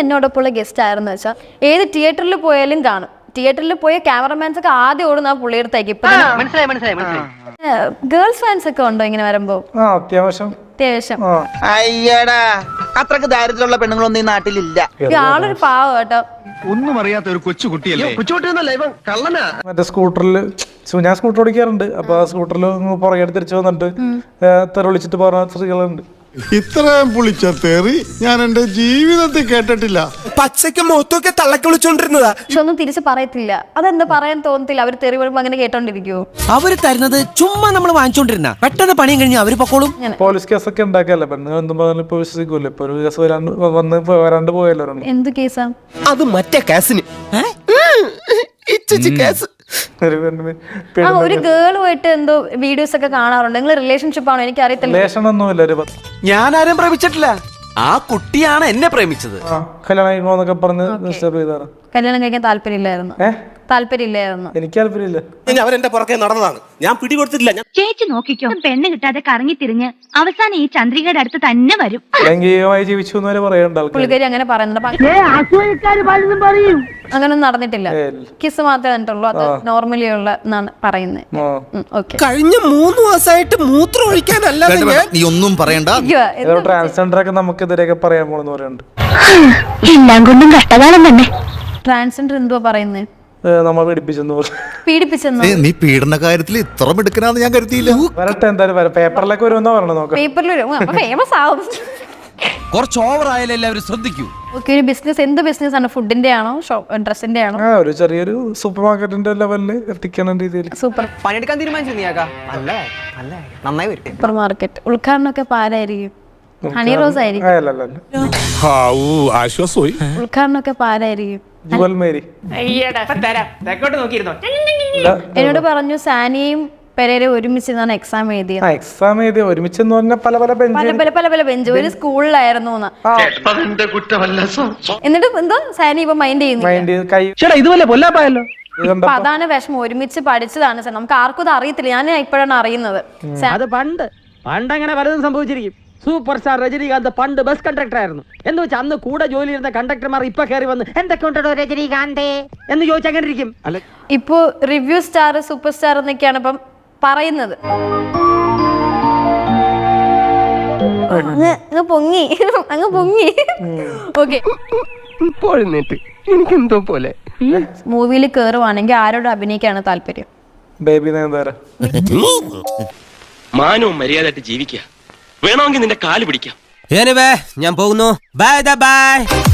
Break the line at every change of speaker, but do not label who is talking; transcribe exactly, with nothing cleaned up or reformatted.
എന്നോടൊപ്പമുള്ള guest ആയിരുന്നു വെച്ചാൽ ഏത് തിയേറ്ററിൽ പോയാലും കാണും. തിയേറ്ററിൽ പോയ ക്യാമറമാൻസ് ഒക്കെ ആദ്യം ഓടുന്ന ആ പുള്ളിയെടുത്തേക്ക്. ഇപ്പൊ
മനസ്സിലായി മനസ്സിലായി മനസ്സിലായി.
ഗേൾസ് ഫാൻസ് ഒക്കെ ഉണ്ടോ ഇങ്ങനെ വരുമ്പോ?
അത്യാവശ്യം
അത്യാവശ്യം.
അയ്യടാ, അത്രക്ക് ദാരിദ്ര്യമുള്ള പെണ്ണുങ്ങളൊന്നും ഈ നാട്ടിലില്ല.
ആളൊരു പാവം കേട്ടോ.
ഒന്നും അറിയാത്ത ഒരു കൊച്ചു കുട്ടിയല്ലേ.
കൊച്ചുകുട്ടിയൊന്നല്ല ഇവൻ കള്ളനാ.
മറ്റേ സ്കൂട്ടറിൽ ഞാൻ സ്കൂട്ടർ ഓടിക്കാറുണ്ട്. അപ്പൊ ആ സ്കൂട്ടറിൽ പുറകെ തിരിച്ചു വന്നിട്ട് തെറിവിളിച്ചിട്ട് പറഞ്ഞ സ്ത്രീകളുണ്ട്.
ഇത്രയും പുളിച്ച തെറി ഞാൻ എന്റെ ജീവിതത്തിൽ കേട്ടിട്ടില്ല.
പച്ചയ്ക്ക് മുഖത്തൊക്കെ തള്ളക്കി വിളിച്ചോണ്ടിരുന്നതാ.
പക്ഷെ ഒന്നും തിരിച്ച് പറയത്തില്ല. അതെന്താ പറയാൻ തോന്നത്തില്ല. അവര് തെറി വരുമ്പോ അങ്ങനെ കേട്ടോണ്ടിരിക്കുവോ?
അവര് തരുന്നത് ചുമ്മാ നമ്മൾ വാങ്ങിച്ചോണ്ടിരുന്ന പെട്ടെന്ന് പണിയും കഴിഞ്ഞ് അവര് പൊക്കോളും.
പോലീസ് കേസൊക്കെ ഉണ്ടാക്കല്ലേ പെണ്ണുങ്ങൾ എന്തും പറഞ്ഞാലും ഇപ്പൊ വിശ്വസിക്കൂല്ലേ. ഇപ്പൊ ഒരു കേസ് വരാണ്ട് വന്ന് വരാണ്ട് പോയല്ലോ.
എന്ത് കേസാ
അത് മറ്റേ കേസിന് കേസ്.
ആ ഒരു ഗേൾ പോയിട്ട് എന്തോ വീഡിയോസ് ഒക്കെ കാണാറുണ്ട്. നിങ്ങൾ റിലേഷൻഷിപ്പ് ആണോ? എനിക്ക് അറിയത്തില്ല.
റിലേഷൻ ഒന്നുമില്ല. ഒരു
ഞാൻ ആരും പ്രേമിച്ചിട്ടില്ല. ആ കുട്ടിയാണ് എന്നെ പ്രേമിച്ചത്.
കല്യാണം കഴിക്കണോന്നൊക്കെ പറഞ്ഞ് ഡിസ്റ്റർബ് ചെയ്താണ്.
കല്യാണം കഴിക്കാൻ താല്പര്യമില്ലായിരുന്നു. താല്പര്യമില്ലായിരുന്നു.
എനിക്ക് താല്പര്യമില്ല.
അവരെന്റെ പുറകെ നടന്നതാണ്. ഞാൻ പിടികൊടുത്തിട്ടില്ല.
ചേച്ചി നോക്കിക്കോ, പെണ്ണ് കിട്ടാതെ കറങ്ങി തിരിഞ്ഞ് അവസാനം ഈ ചന്ദ്രികയുടെ അടുത്ത് തന്നെ വരും.
ലൈംഗികമായി ജീവിച്ചു എന്ന് വരെ പറയണ്ട ആൾക്കാർ.
പുള്ളിക്കാരി അങ്ങനെ പറയുന്നുണ്ട്. അങ്ങനൊന്നും നടന്നിട്ടില്ല. കിസ് മാത്രമേ നടന്നിട്ടുള്ളൂ. അത് നോർമലി ഉള്ള എന്നാണ് പറയുന്നത്.
കഴിഞ്ഞ മൂന്ന് മാസമായിട്ട് മൂത്രം ഒഴിക്കാനല്ലാതെ
നീ ഒന്നും പറയണ്ട.
ട്രാൻസ്ജെൻഡർ ഒക്കെ നമുക്കെതിരെയൊക്കെ പറയാൻ പോണെന്ന് പറയുന്നുണ്ട്.
എല്ലാം കൊണ്ടും കഷ്ടകാലം തന്നെ.
ട്രാൻസ്ജെൻഡർ എന്തുവാ പറയുന്നത്?
നമ്മൾ പീഡിപ്പിച്ചെന്ന് പറഞ്ഞു.
പീഡിപ്പിച്ചെന്ന്.
നീ പീഡന കാര്യത്തിൽ ഇത്ര മിടുക്കനാന്ന് ഞാൻ കരുതിയില്ല.
വരട്ടെ, എന്തായാലും വരാം. പേപ്പറിലൊക്കെ വരുമെന്നാ പറഞ്ഞത്. നോക്കാം.
പേപ്പറിൽ വരും. അപ്പൊ ഫേമസ് ആവും.
കുറച്ച് ഓവർ ആയാലും എല്ലാവരും ശ്രദ്ധിക്കൂ.
ഓക്കെ, ഒരു ബിസിനസ് എന്ത് ബിസിനസ് ആണ്? ഫുഡിന്റെ ആണോ ഡ്രസ്സിന്റെ ആണോ?
ആ ഒരു ചെറിയൊരു സൂപ്പർ മാർക്കറ്റിന്റെ ലെവലില് എത്തിക്കുന്ന രീതിയിൽ
സൂപ്പർ
പണിയെടുക്കാൻ തീരുമാനിച്ചു നീയാക്കാ. അല്ലേ അല്ലേ നന്നായി വരും.
സൂപ്പർ മാർക്കറ്റ് ഉദ്ഘാടനമൊക്കെ പാരായിരിക്കും? ഹണി റോസ് ആയിരിക്കും.
ആശ്വാസമായി.
ഉദ്ഘാടനമൊക്കെ പാരായിരിക്കും?
ജുവൽ മേരി.
തെക്കോട്ട് നോക്കിയിരുന്നോ?
എന്നോട് പറഞ്ഞു സാനിയും പെരേരെ ഒരുമിച്ച് എക്സാം എഴുതിയത്.
എക്സാം എഴുതി ഒരുമിച്ചെന്ന് പറഞ്ഞാൽ പല പല ബെഞ്ച്
പല പല പല പല ബെഞ്ച് ഒരു സ്കൂളിലായിരുന്നു. എന്നിട്ട് എന്തോ സാനി ഇപ്പൊ മൈൻഡ് ചെയ്യുന്നു.
ഇതുപോലെ പൊല്ലാപ്പായല്ലോ.
അപ്പൊ അതാണ് വിഷമം. ഒരുമിച്ച് പഠിച്ചതാണ് സാർ. നമുക്ക് ആർക്കും ഇത് അറിയത്തില്ല. ഞാൻ ഇപ്പോഴാണ് അറിയുന്നത്.
അത് പണ്ട് പണ്ട് അങ്ങനെ പലതും സംഭവിച്ചിരിക്കും. സൂപ്പർ സ്റ്റാർ രജനീകാന്ത് പണ്ട് ബസ് കണ്ടക്ടർ ആയിരുന്നു എന്ന് വെച്ചാൽ അന്ന് കൂടെ ജോലി ചെയ്യുന്ന കണ്ടക്ടർമാർ ഇപ്പൊ കയറി വന്ന് എന്തൊക്കെ ഉണ്ടോ രജനീകാന്തേ എന്ന് ചോദിച്ചാൽ അങ്ങനെ ഇരിക്കും.
ഇപ്പൊ റിവ്യൂ സ്റ്റാർ സൂപ്പർ സ്റ്റാർ എന്നൊക്കെയാണ് ഇപ്പം പറയുന്നത്. അങ്ങ് പൊങ്ങി അങ്ങ് പൊങ്ങി. ഓക്കെ,
എനിക്കെന്തോ പോലെ
മൂവിയിൽ കേറുവാണെങ്കിൽ ആരോട് അഭിനയിക്കാണ് താല്പര്യം?
ബേബി നയൻതാര.
മാനവും മര്യാദയായിട്ട് ജീവിക്കുക. വേണമെങ്കിൽ നിന്റെ കാല് പിടിക്കാം.
ഞാൻ പോകുന്നു. Bye by.